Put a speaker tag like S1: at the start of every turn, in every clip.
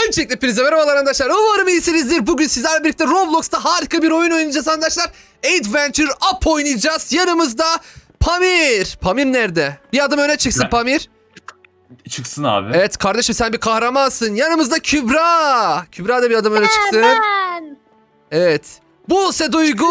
S1: Öncelikle hepinize merhabalar arkadaşlar. Umarım iyisinizdir. Bugün sizlerle birlikte Roblox'ta harika bir oyun oynayacağız arkadaşlar. Adventure Up oynayacağız. Yanımızda Pamir. Pamir nerede? Bir adım öne çıksın Pamir.
S2: Çıksın abi.
S1: Evet kardeşim, sen bir kahramansın. Yanımızda Kübra. Kübra da bir adım öne çıksın.
S3: Ben.
S1: Evet. Buse Duygu.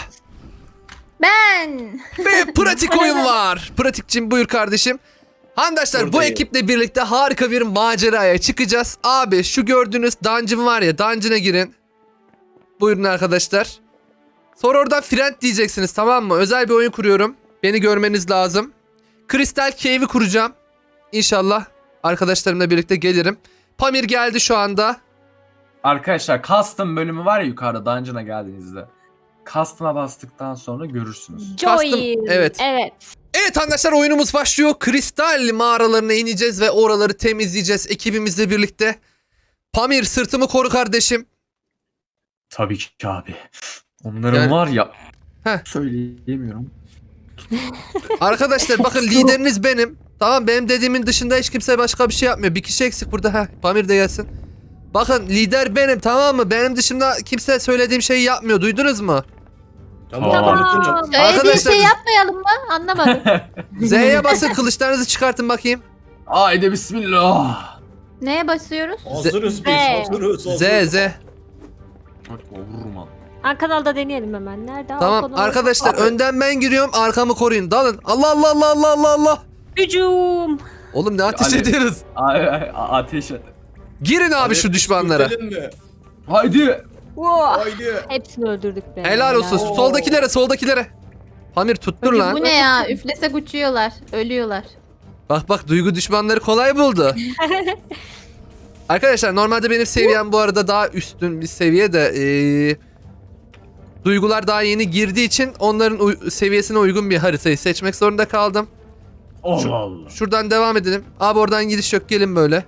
S3: Ben.
S1: Ve pratik oyun var. Pratikçim buyur kardeşim. Arkadaşlar bu
S4: Buradayım.
S1: ekiple birlikte harika bir maceraya çıkacağız. Abi şu gördüğünüz dungeon var ya, dungeon'a girin. Buyurun arkadaşlar. Sonra oradan friend diyeceksiniz, tamam mı? Özel bir oyun kuruyorum. Beni görmeniz lazım. Crystal Cave'i kuracağım. İnşallah arkadaşlarımla birlikte gelirim. Pamir geldi şu anda.
S2: Arkadaşlar custom bölümü var ya yukarıda dungeon'a geldiğinizde. Custom'a bastıktan sonra görürsünüz.
S3: Joy.
S1: evet.
S3: Evet.
S1: Evet arkadaşlar, oyunumuz başlıyor. Kristal mağaralarına ineceğiz ve oraları temizleyeceğiz ekibimizle birlikte. Pamir, sırtımı koru kardeşim.
S2: Tabii ki abi. Onların
S1: Yani-
S2: var ya.
S1: Heh.
S2: Söyleyemiyorum.
S1: Arkadaşlar bakın, lideriniz benim. Tamam, benim dediğimin dışında hiç kimse başka bir şey yapmıyor. Bir kişi eksik burada. Heh, Pamir de gelsin. Bakın, lider benim, tamam mı? Benim dışında kimse söylediğim şeyi yapmıyor. Duydunuz mu?
S2: Tamam.
S3: Tamam. Öyle
S1: Arkadaşlar-
S3: bir şey yapmayalım mı? Anlamadım.
S1: Z'ye basın, kılıçlarınızı çıkartın bakayım.
S2: Haydi bismillah.
S3: Neye basıyoruz?
S4: Hazırız biz,
S3: Z.
S4: hazırız.
S1: Z.
S2: Bak vururum abi.
S5: Kanalda deneyelim hemen. Nerede?
S1: Tamam
S5: Arkadan-
S1: arkadaşlar, önden ben giriyorum, arkamı koruyun. Dalın. Allah Allah Allah Allah Allah Allah.
S5: Hücum.
S1: Oğlum ne ateş
S2: Ali.
S1: ediyoruz?
S2: Ateş et.
S1: Girin abi şu düşmanlara.
S4: Mi?
S2: Haydi.
S5: Wow.
S4: Haydi.
S5: Hepsini öldürdük be.
S1: Helal olsun.
S4: Oo.
S1: Soldakilere, soldakilere. Pamir tuttur lan.
S3: Bu ne ya? Üflesek uçuyorlar. Ölüyorlar.
S1: Bak bak, Duygu düşmanları kolay buldu. Arkadaşlar normalde benim seviyem bu arada daha üstün bir seviye de Duygular daha yeni girdiği için onların seviyesine uygun bir haritayı seçmek zorunda kaldım.
S2: Allah Allah.
S1: Şuradan devam edelim. Abi oradan gidiş yok, gelin böyle.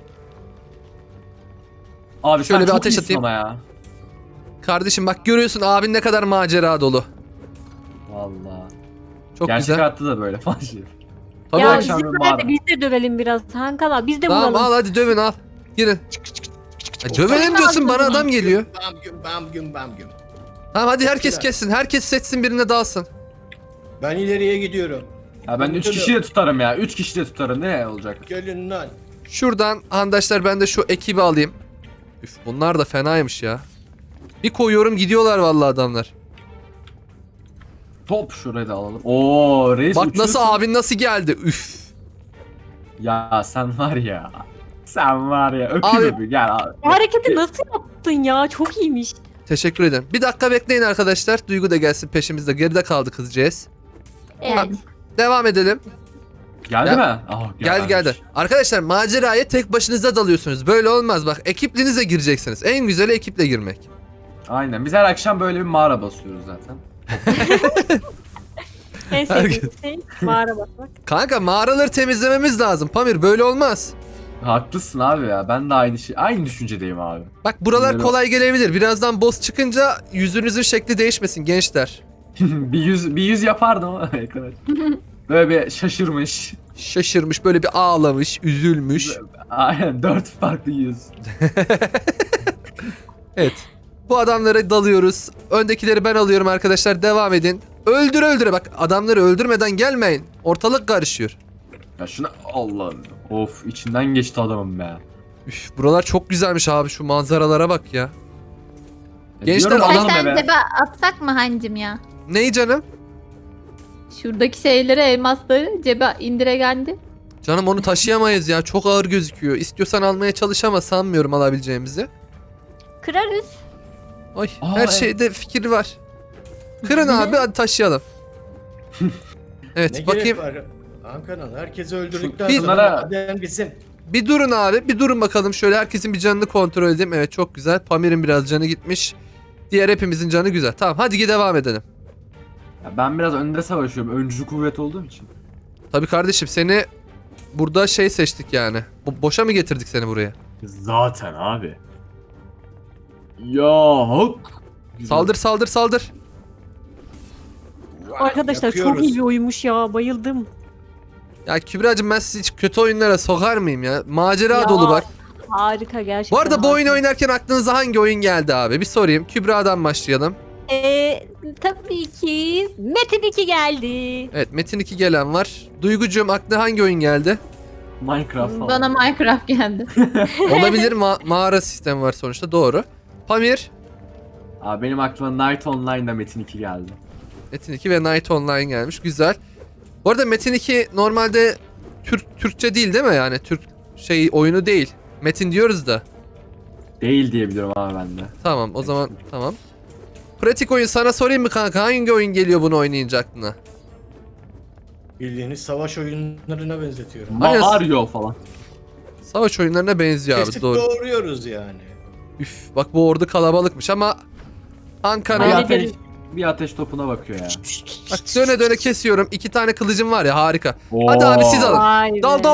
S2: Abi
S1: Şöyle
S2: sen
S1: bir
S2: çok
S1: ateş
S2: iyisin
S1: atayım.
S2: ama ya.
S1: Kardeşim bak, görüyorsun abin ne kadar macera dolu.
S2: Vallahi.
S1: Çok
S2: Gerçek
S1: güzel.
S2: hayatta da böyle falan şey.
S1: Tabii
S5: Ya
S1: bak-
S2: akşam
S5: bizim
S2: bir
S5: nerede?
S2: mağara.
S5: Biz de dövelim biraz. Hankala biz de
S1: Tamam,
S5: vuralım.
S1: al hadi dövün, al. Girin. Dövelim diyorsun, bana adam geliyor.
S4: Bam güm.
S1: Tamam hadi, herkes
S4: Güzel.
S1: kessin. Herkes seçsin, birine dalsın.
S4: Ben ileriye gidiyorum.
S2: Ya ben 3 kişi de tutarım ya. 3 kişi de tutarım. Ne olacak?
S4: Gelin lan.
S1: Şuradan arkadaşlar ben de şu ekibi alayım. Üf, bunlar da fenaymış ya. Bir koyuyorum, gidiyorlar vallahi adamlar.
S2: Top şurayı da alalım. Oo reis
S1: Bak
S2: uçuyorsun.
S1: nasıl, abin nasıl geldi. Üf.
S2: Ya sen var ya. Sen var ya.
S1: Abi-
S2: Öpüyor bir gel abi.
S5: Bu hareketi nasıl yaptın ya? Çok iyiymiş.
S1: Teşekkür ederim. Bir dakika bekleyin arkadaşlar. Duygu da gelsin peşimizde. Geride kaldı kızcağız.
S3: Evet.
S1: Devam edelim.
S2: Geldi
S1: Ya-
S2: mi? Ah,
S1: Geldi geldi. Arkadaşlar maceraya tek başınıza dalıyorsunuz. Böyle olmaz bak. Ekiplinize gireceksiniz. En güzeli ekiple girmek.
S2: Aynen. Biz her akşam böyle bir mağara basıyoruz zaten.
S5: En sevdiğim şey mağara basmak.
S1: Kanka mağaraları temizlememiz lazım. Pamir, böyle olmaz.
S2: Haklısın abi ya. Ben de aynı düşüncedeyim abi.
S1: Bak buralar
S2: Böyle-
S1: kolay gelebilir. Birazdan boss çıkınca yüzünüzün şekli değişmesin gençler.
S2: bir yüz yapardım ama ekrana. Böyle bir şaşırmış.
S1: Şaşırmış, böyle bir ağlamış, üzülmüş.
S2: Aynen 4 farklı yüz.
S1: Evet. Bu adamlara dalıyoruz. Öndekileri ben alıyorum arkadaşlar. Devam edin. Öldüre öldüre. Bak, adamları öldürmeden gelmeyin. Ortalık karışıyor.
S2: Ya şuna Allah'ım. Of içinden geçti adamım be.
S1: Üf, buralar çok güzelmiş abi. Şu manzaralara bak ya. Gençler,
S2: Diyorum
S1: adam-
S3: Kaç
S2: adam
S3: tane
S2: be.
S3: cebe atsak mı hancım ya?
S1: Neyi canım?
S3: Şuradaki şeyleri, elmasları cebe indiregendi.
S1: Canım onu taşıyamayız ya. Çok ağır gözüküyor. İstiyorsan almaya çalış ama sanmıyorum alabileceğimizi.
S5: Kırarız.
S1: Ay,
S2: Aa,
S1: her
S2: evet.
S1: şeyde fikir var. Kırın abi, hadi taşıyalım. Evet,
S4: Ne
S1: bakayım.
S4: gerek var? Ankara'nın herkesi öldürdükten
S1: Bir-
S4: sonra
S2: Bunlara-
S4: maden bizim.
S1: Bir durun abi, bir durun bakalım. Şöyle herkesin bir canını kontrol edeyim. Evet, çok güzel. Pamir'in biraz canı gitmiş. Diğer hepimizin canı güzel. Tamam, hadi devam edelim.
S2: Ya ben biraz önde savaşıyorum. Öncü kuvvet olduğum için.
S1: Tabii kardeşim, seni burada şey seçtik yani. Boşa mı getirdik seni buraya?
S2: Zaten abi. Ya hak.
S1: Saldır saldır saldır.
S5: Arkadaşlar çok
S4: Yakıyoruz.
S5: iyi bir oyunmuş ya. Bayıldım.
S1: Ya Kübra'cığım, ben sizi hiç kötü oyunlara sokar mıyım ya? Macera
S5: Ya.
S1: dolu bak.
S5: Harika gerçekten.
S1: Bu arada bu oyunu
S5: harika.
S1: oynarken aklınıza hangi oyun geldi abi? Bir sorayım. Kübra'dan başlayalım.
S5: Tabii ki Metin 2 geldi.
S1: Evet, Metin 2 gelen var. Duygucuğum, aklına hangi oyun geldi?
S2: Minecraft falan.
S3: Bana Minecraft geldi.
S1: Olabilir, mağara sistemi var sonuçta, doğru. Pamir,
S2: Abi benim aklıma Night Online'da Metin 2 geldi.
S1: Metin 2 ve Night Online gelmiş. Güzel. Bu arada Metin 2 normalde Türkçe değil mi? Yani Türk oyunu değil. Metin diyoruz da.
S2: Değil diye biliyorum abi ben de.
S1: Tamam, o zaman tamam. Pratik oyun sana sorayım mı kanka? Hangi oyun geliyor bunu oynayınca aklına?
S4: Bildiğiniz savaş oyunlarına benzetiyorum.
S1: Aynen.
S2: Mario falan.
S1: Savaş oyunlarına benziyor abi,
S4: Kesip
S1: doğru.
S4: doğruyoruz yani.
S1: Üf, bak bu ordu kalabalıkmış ama
S2: Bir
S1: Ankara.
S5: Aynen.
S2: ateş, bir ateş topuna bakıyor ya.
S1: Bak döne döne kesiyorum. 2 tane kılıcım var ya, harika. Hadi abi, siz alın.
S5: Vay be.
S1: Dal.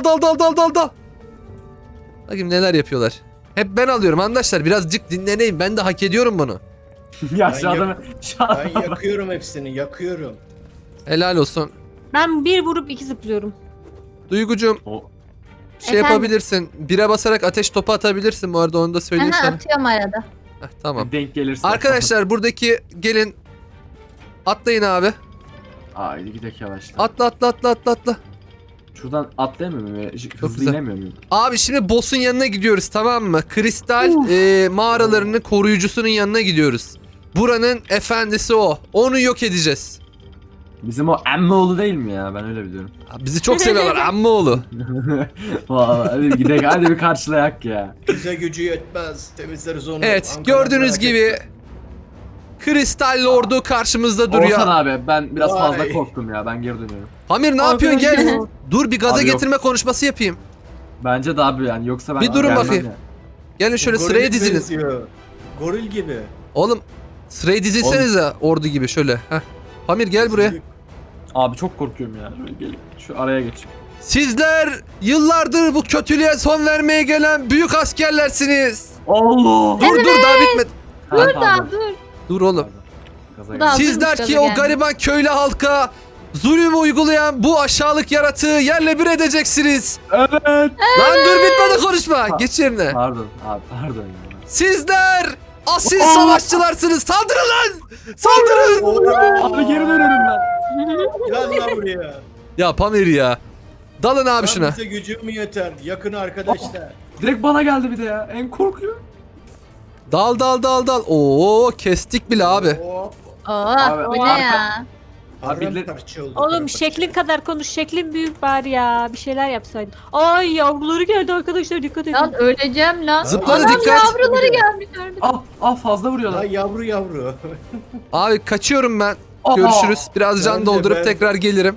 S1: Bakayım neler yapıyorlar. Hep ben alıyorum arkadaşlar. Birazcık dinleneyim. Ben de hak ediyorum bunu.
S2: Ya
S4: Ben
S2: şu adamı... Şu
S4: Ben
S2: adamı...
S4: yakıyorum hepsini, yakıyorum.
S1: Helal olsun.
S5: Ben bir vurup iki zıplıyorum.
S1: Duygucuğum,
S2: O-
S1: şey
S3: Efendim?
S1: yapabilirsin. Bire basarak ateş topu atabilirsin bu arada, onu da söyleyeyim
S3: Aha,
S1: sana.
S3: atıyorum arada.
S1: Heh, tamam.
S2: Denk gelirse.
S1: Arkadaşlar buradaki gelin. Atlayın abi.
S2: Haydi gidelim yavaştan.
S1: Atla.
S2: Şuradan atlayamıyor muyum? Hızlı
S1: güzel.
S2: inemiyor muyum?
S1: Abi şimdi boss'un yanına gidiyoruz, tamam mı? Kristal mağaralarının koruyucusunun yanına gidiyoruz. Buranın efendisi o. Onu yok edeceğiz.
S2: Bizim o Emmoğlu değil mi ya? Ben öyle biliyorum.
S1: Abi bizi çok seviyorlar ammoğlu.
S2: Vallahi hadi gidelim, hadi bir karşılayak ya.
S4: Bize gücü yetmez, temizleriz onu.
S1: Evet,
S4: Ankara,
S1: gördüğünüz
S4: merak
S1: gibi
S4: etme.
S1: Kristal Lord'u karşımızda
S2: Orhan
S1: duruyor.
S2: abi ben biraz fazla
S4: Vay.
S2: korktum ya. Ben geri dönüyorum.
S1: Hamir ne yapıyorsun, gel.
S5: Arkadaşlar.
S1: Dur bir gaza
S2: Abi yok.
S1: getirme konuşması yapayım.
S2: Bence de abi yani yoksa ben
S1: Bir durun
S2: gelmem
S1: bakayım.
S2: ya.
S1: Gelin şöyle
S4: Goril
S1: sıraya dizilin.
S4: benziyor. Goril gibi.
S1: Oğlum sıraya dizilsenize ordu gibi şöyle. Heh. Hamir gel buraya.
S2: Abi çok korkuyorum ya. Şöyle gelin. Şu araya geçeyim.
S1: Sizler yıllardır bu kötülüğe son vermeye gelen büyük askerlersiniz.
S2: Allah!
S1: Dur daha bitmedi.
S3: Dur da dur.
S1: Dur oğlum.
S2: Gaza
S3: Bu da-
S2: geldim.
S1: Sizler
S3: hazırmış
S1: ki
S3: gaza
S1: o
S3: geldi.
S1: gariban köylü halka zulüm uygulayan bu aşağılık yaratığı yerle bir edeceksiniz.
S2: Evet.
S1: Lan dur bitmedi konuşma. Geç yerine.
S2: Pardon abi pardon ya.
S1: Sizler asil savaşçılarsınız. Saldırın lan. Saldırın.
S2: Abi geri dönüyorum ben.
S4: Gel lan buraya.
S1: Ya Pamir ya. Dalın abi
S4: Lan
S1: şuna.
S4: bize gücüm mü yeter? Yakın arkadaşlar.
S2: Direkt bana geldi bir de ya. En korkuyor.
S1: Dal. Oo kestik bile abi.
S4: Hop.
S2: Abi,
S3: Bu ne
S2: arka-
S3: ya?
S2: Abi
S4: Paramparça oldu,
S5: Oğlum
S4: paramparça.
S5: şeklin kadar konuş. Şeklin büyük bari ya. Bir şeyler yapsaydın. Ay yavruları geldi arkadaşlar, dikkat edin.
S3: Lan öleceğim lan.
S1: Zıpladı,
S3: Anam,
S1: dikkat.
S3: yavruları gelmiş gördüm.
S2: Fazla
S4: Lan
S2: vuruyorlar.
S4: yavru.
S1: Abi kaçıyorum ben.
S2: Aa!
S1: Görüşürüz. Biraz
S4: Ben
S1: can
S4: de,
S1: doldurup
S4: ben.
S1: tekrar gelirim.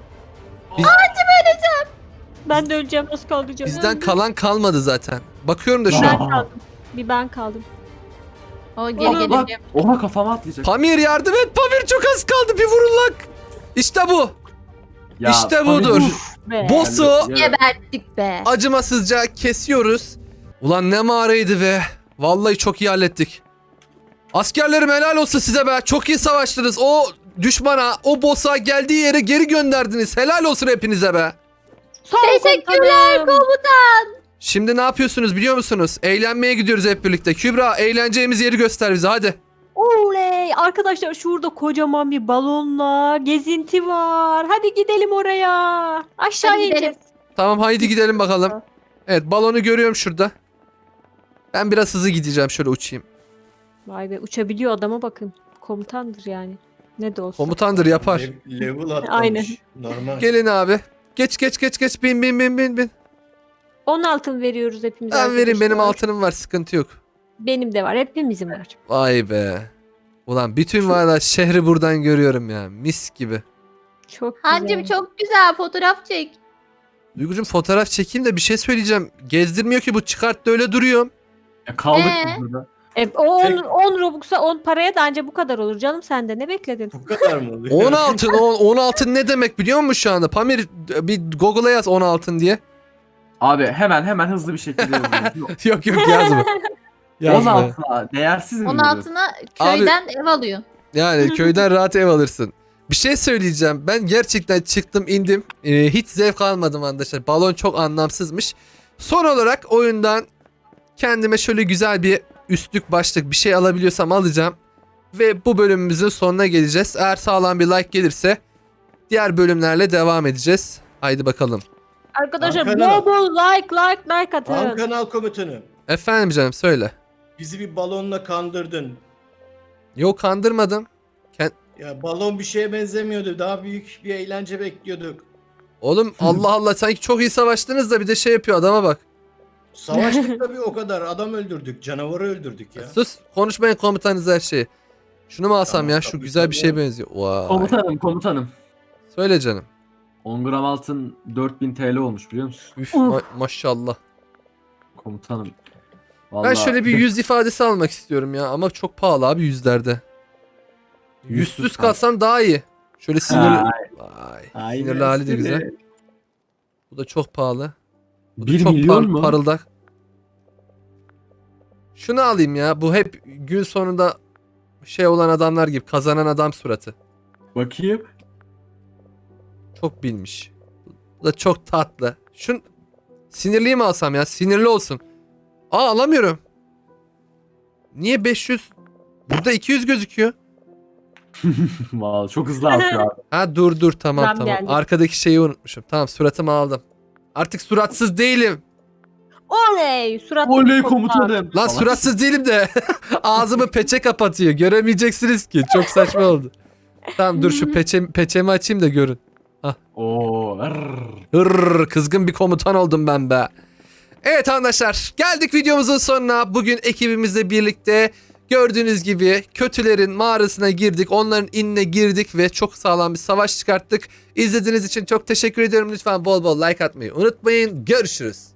S5: Ben de öleceğim, nasıl kaldıracağım?
S1: Bizden kalan kalmadı zaten. Bakıyorum da şu
S5: Ben
S1: an.
S5: kaldım. Bir ben kaldım.
S3: O geri
S2: Bak,
S3: geleceğim.
S2: Oha kafama atlayacak.
S1: Pamir yardım et. Pamir çok az kaldı. Bir vurun lan. İşte bu.
S2: Ya,
S1: İşte
S2: tabii
S1: budur.
S2: bu-
S5: Be.
S1: Boss'u
S2: Ya-
S3: Geberttik be.
S1: acımasızca kesiyoruz. Ulan ne mağaraydı be. Vallahi çok iyi hallettik. Askerlerim helal olsun size be. Çok iyi savaştınız. O düşmana, o boss'a geldiği yere geri gönderdiniz. Helal olsun hepinize be.
S5: Sağ ol
S3: Teşekkürler
S5: komutanım.
S3: komutan.
S1: Şimdi ne yapıyorsunuz biliyor musunuz? Eğlenmeye gidiyoruz hep birlikte. Kübra eğleneceğimiz yeri göster bize hadi.
S5: Oley! Arkadaşlar şurada kocaman bir balonla gezinti var. Hadi gidelim oraya. Aşağıya
S3: Hadi gidelim.
S5: ineceğiz.
S1: Tamam haydi gidelim bakalım. Evet balonu görüyorum şurada. Ben biraz hızlı gideceğim, şöyle uçayım.
S5: Vay be, uçabiliyor adama bakın. Komutandır yani. Ne de olsa.
S1: Komutandır, yapar.
S4: Level atlamış.
S5: Aynen.
S4: Normal.
S1: Gelin abi. Geç bin.
S5: 10 altın veriyoruz hepimiz.
S1: Ben vereyim, benim
S5: arkadaşlar.
S1: altınım var, sıkıntı yok.
S5: Benim de var. Hepimizin var.
S1: Vay be. Ulan bütün valla şehri buradan görüyorum ya. Mis gibi.
S5: Çok güzel.
S3: Hancım çok güzel fotoğraf çek.
S1: Duygucuğum fotoğraf çekeyim de bir şey söyleyeceğim. Gezdirmiyor ki bu, çıkarttı öyle duruyorum.
S2: Ya kaldık
S3: Ee?
S2: biz burada.
S5: O
S4: Tek-
S5: 10 Robux'a 10 paraya da anca bu kadar olur canım, sen de ne bekledin?
S4: Bu kadar mı oluyor?
S1: 10 altın, 10 altın ne demek biliyor musun şu anda? Pamir bir Google'a yaz 10 altın diye.
S2: Abi hemen hızlı bir şekilde yazıyorum.
S1: Yok yazma.
S2: 10 altına değersiz mi?
S3: Onun
S2: görüyorsun?
S3: altına köyden ev alıyor.
S1: Yani köyden rahat ev alırsın. Bir şey söyleyeceğim. Ben gerçekten çıktım indim. Hiç zevk almadım arkadaşlar. Balon çok anlamsızmış. Son olarak oyundan Kendime şöyle güzel bir üstlük başlık bir şey alabiliyorsam alacağım. Ve bu bölümümüzün sonuna geleceğiz. Eğer sağlam bir like gelirse diğer bölümlerle devam edeceğiz. Haydi bakalım.
S5: Arkadaşlar
S4: Hakan
S5: bol bol like atın.
S4: Han kanal komutanı.
S1: Efendim canım söyle.
S4: Bizi bir balonla kandırdın.
S1: Yok kandırmadım.
S4: Ya balon bir şeye benzemiyordu. Daha büyük bir eğlence bekliyorduk.
S1: Oğlum Allah Allah sanki çok iyi savaştınız da bir de şey yapıyor adama bak.
S4: Savaştık tabii o kadar. Adam öldürdük. Canavarı öldürdük ya.
S1: Sus konuşmayın komutanınız her şeyi. Şunu mu alsam
S4: Tamam,
S1: ya şu
S4: tabii,
S1: güzel bir
S4: tabii.
S1: şeye benziyor. Vay.
S2: Komutanım.
S1: Söyle canım.
S2: 10 gram altın 4000 TL olmuş biliyor musun?
S1: Üf,
S5: Uf.
S1: maşallah.
S2: Komutanım.
S1: Ben
S2: Vallahi
S1: şöyle bir yüz ifadesi almak istiyorum ya ama çok pahalı abi yüzlerde. Yüzsüz kalsam daha iyi. Şöyle sinirli. Vay. Sinirli hali de güzel. Bu da çok pahalı. Bu da
S2: 1
S1: çok
S2: milyon mu?
S1: parıldak. Şunu alayım ya. Bu hep gün sonunda şey olan adamlar gibi kazanan adam suratı.
S2: Bakayım.
S1: Çok bilmiş. Bu da çok tatlı. Sinirliyi mi alsam ya? Sinirli olsun. Aa alamıyorum. Niye 500? Burada 200 gözüküyor.
S2: Vallahi çok hızlı artıyor abi.
S1: Ha dur tamam
S5: Zam
S1: tamam.
S5: geldi.
S1: Arkadaki şeyi unutmuşum. Tamam suratımı aldım. Artık suratsız değilim.
S5: Oley surat.
S2: Oley komutanım.
S1: Lan
S2: Falan.
S1: suratsız değilim de ağzımı peçe kapatıyor. Göremeyeceksiniz ki. Çok saçma oldu. Tamam dur şu peçemi açayım da görün.
S2: Oo.
S1: Kızgın bir komutan oldum ben be. Evet arkadaşlar geldik videomuzun sonuna. Bugün ekibimizle birlikte gördüğünüz gibi kötülerin mağarasına girdik. Onların inine girdik ve çok sağlam bir savaş çıkarttık. İzlediğiniz için çok teşekkür ediyorum. Lütfen bol bol like atmayı unutmayın. Görüşürüz.